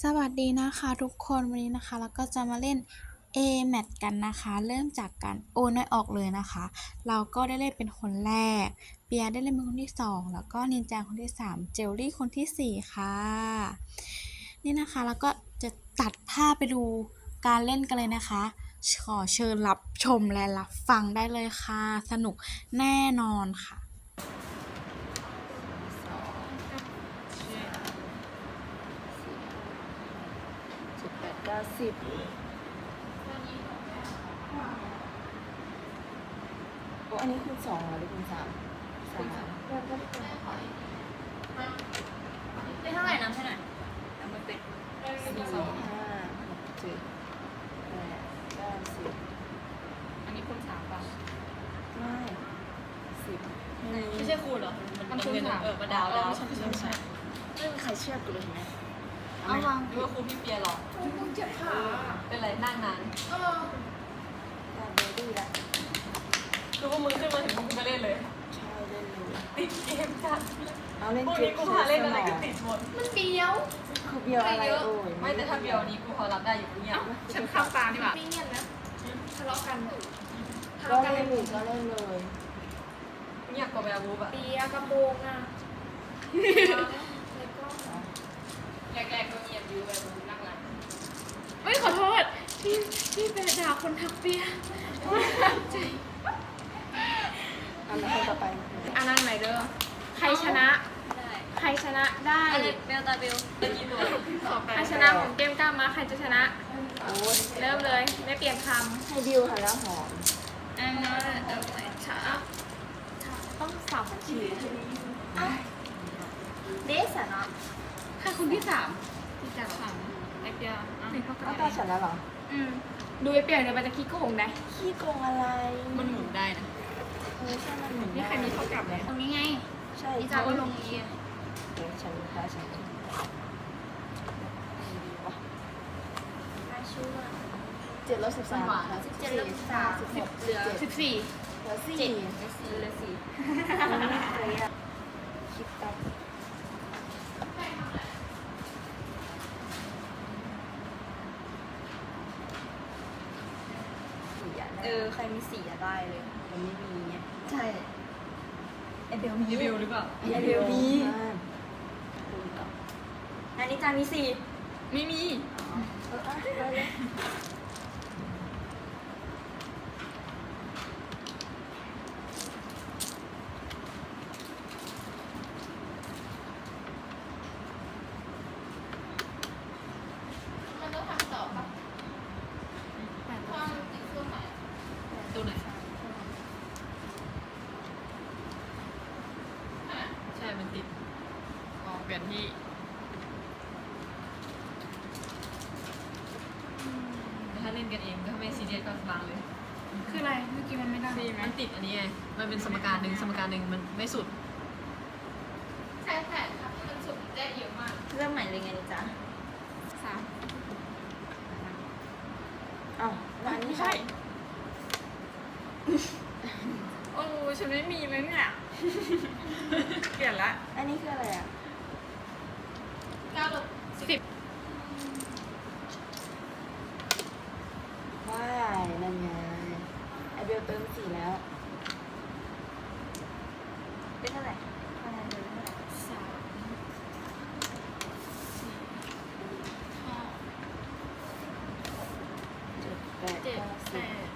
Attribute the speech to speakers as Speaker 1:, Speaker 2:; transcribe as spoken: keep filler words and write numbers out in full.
Speaker 1: สวัสดีนะคะทุกคนวันนี้นะคะเราก็จะมาเล่น เอ แมท กันนะคะเริ่มจากการโอนไม่ออกเลยนะคะเราก็ได้เล่นเป็นคนแรกเปียได้เล่นเป็นคนที่สองแล้วก็นินจาคนที่สามเจลลี่คนที่สี่ค่ะนี่นะคะแล้วก็จะตัดภาพไปดูการเล่นกันเลยนะคะขอเชิญรับชมและรับฟังได้เลยค่ะสนุกแน่นอนค่ะ
Speaker 2: สิบแปดเก้าสิบโอ้อันนี้คูณสองเหรอหรือคูณสามสาม
Speaker 3: ได้เท่าไหร่น้ำเท่าไหร่น้ำมันเป็น
Speaker 2: สี่ห้าหกเจ็ดแปดเก้าสิบ
Speaker 3: อันนี้คูณสามป่ะ
Speaker 2: ไม่สิบ
Speaker 3: ไม่ใช่คูณเหรอ มันคูณสามเออมาดาวดาว
Speaker 2: ใช่ใช่ใช่ไม่มีใครเชื่อกูเลยเห็นไหม
Speaker 3: เอาวางดูว่าคูณพี่เปียหรอมึงเจ็บขาเป็นไรนั่งนานเออ
Speaker 2: ได้เบอร์ดี้ละ
Speaker 3: คือว่ามึงขึ้นมาถึงมึงก็เล่นเลย
Speaker 2: ใช่เล่นเลย
Speaker 3: ติดเกมจัด
Speaker 2: เอาเล่น
Speaker 3: พวก
Speaker 2: เก
Speaker 3: นี้
Speaker 2: ม
Speaker 3: กูพาเล่นอะไรก็ติดหมด
Speaker 4: มันเบี้ยว
Speaker 2: คือเบียวอะไรโอ้ย
Speaker 3: ไม่แต่ถ้าเบียวนี้กูพอรับได้อยู่เนี่ย
Speaker 4: ฉันข้ามตาดีกว่าไม่เงียบนะทะเลาะกันทะ
Speaker 2: ก็
Speaker 4: เลาะกัน
Speaker 2: เล่นอยู่ก็เล่นเลย
Speaker 3: เงียบกว่าแบบบูบอะ
Speaker 4: เบียร์กระโปรงอ่ะแล้วก็
Speaker 3: แรกๆก็เงียบอยู่แบบบูนั่งหลัง
Speaker 4: เฮ้ยขอโทษที่ที่เป็นด่าคนทักเบียร์ใจ
Speaker 2: เอาแล้วคนต่อไป
Speaker 4: อันนั้นไหนเด้อใครชนะ
Speaker 3: ได้
Speaker 4: ใครชนะได้
Speaker 3: อันนี้เบลตาเบลตะกี้ตัว
Speaker 4: ใครชนะของเกมกล้ามาใครจะชนะ
Speaker 2: โอ้ย
Speaker 4: เริ่มเลยไม่เปลี่ยนค
Speaker 2: ให้บิวค่ะแล้วหอม
Speaker 3: อันนั้นเออช้า
Speaker 4: ำต้องสาวบัญชี
Speaker 3: เดสอะเนาะ
Speaker 4: ใครคนที่สามที่จะสามไอเปียหนึ่งเท่ากั
Speaker 2: เอาตาฉันแล้วเหรอ
Speaker 4: อืมดูไอเปียเดี๋ยวมันจะคิดโกงได้
Speaker 2: ขี้โกงอะไร
Speaker 3: มันหมุนได้นะ
Speaker 2: เออใช่มันหมุน
Speaker 4: นี่ใครมีเท่ากับไหม
Speaker 3: ตรงนี้ไง
Speaker 2: ใช่
Speaker 3: นี่จะเอาลงนี้
Speaker 2: เดี๋ยวฉันตาฉันเจ็ดลบสิบสามค่ะสิบสี่สามสิบหก
Speaker 3: เหลือ
Speaker 4: สิบสี่
Speaker 2: เหลือสี่
Speaker 3: เจ็ดเหลือสี่
Speaker 2: คิดตับสี่อ่ะ
Speaker 3: เออ ใครมีสี่อะได้เลย
Speaker 2: มันไม่มีไง
Speaker 3: ใช่ไอเบลมีเบลหรือเปล่า
Speaker 2: ไอเดียวมีคูณต่อ
Speaker 3: อันนี้จามีสี่ไม่มี
Speaker 2: เอออ่ะไปเลย
Speaker 3: ตัวไหนใช่ มันติดอ๋อเปลี่ยนที่ถ้าเล่นกันเองก็ไม่ซีเรียสก็วางเลย
Speaker 4: คืออะไรเมื่อกี้มันไม่ได้
Speaker 3: มันติดอันนี้ไง มันเป็นสมการหนึ่งสมการหนึ่งมันไม่สุด
Speaker 4: ใช่ใช่ครับมันสุดได้เยอะมาก
Speaker 3: เริ่มใหม่เลยไงจ๊ะ
Speaker 4: สาม
Speaker 2: อ้าวแล้วอันนี้
Speaker 4: ไม่ใช่ โอ้ฉันไม่มีเลยเนี่ย เปลี่ยนละ
Speaker 2: อันนี้คืออะไรอ่ะ
Speaker 4: เก้าลบสิบ
Speaker 2: ว้ายนั่นไงไอเบลเติมสี่แล้ว
Speaker 3: เป็นเท่าไหร่คะแนนเดิมเท่าไหร่
Speaker 4: สามสี่ห้า
Speaker 2: เจ็ดแปด
Speaker 4: เจ็ด
Speaker 2: เก้า
Speaker 4: แป
Speaker 2: สิบ
Speaker 4: ด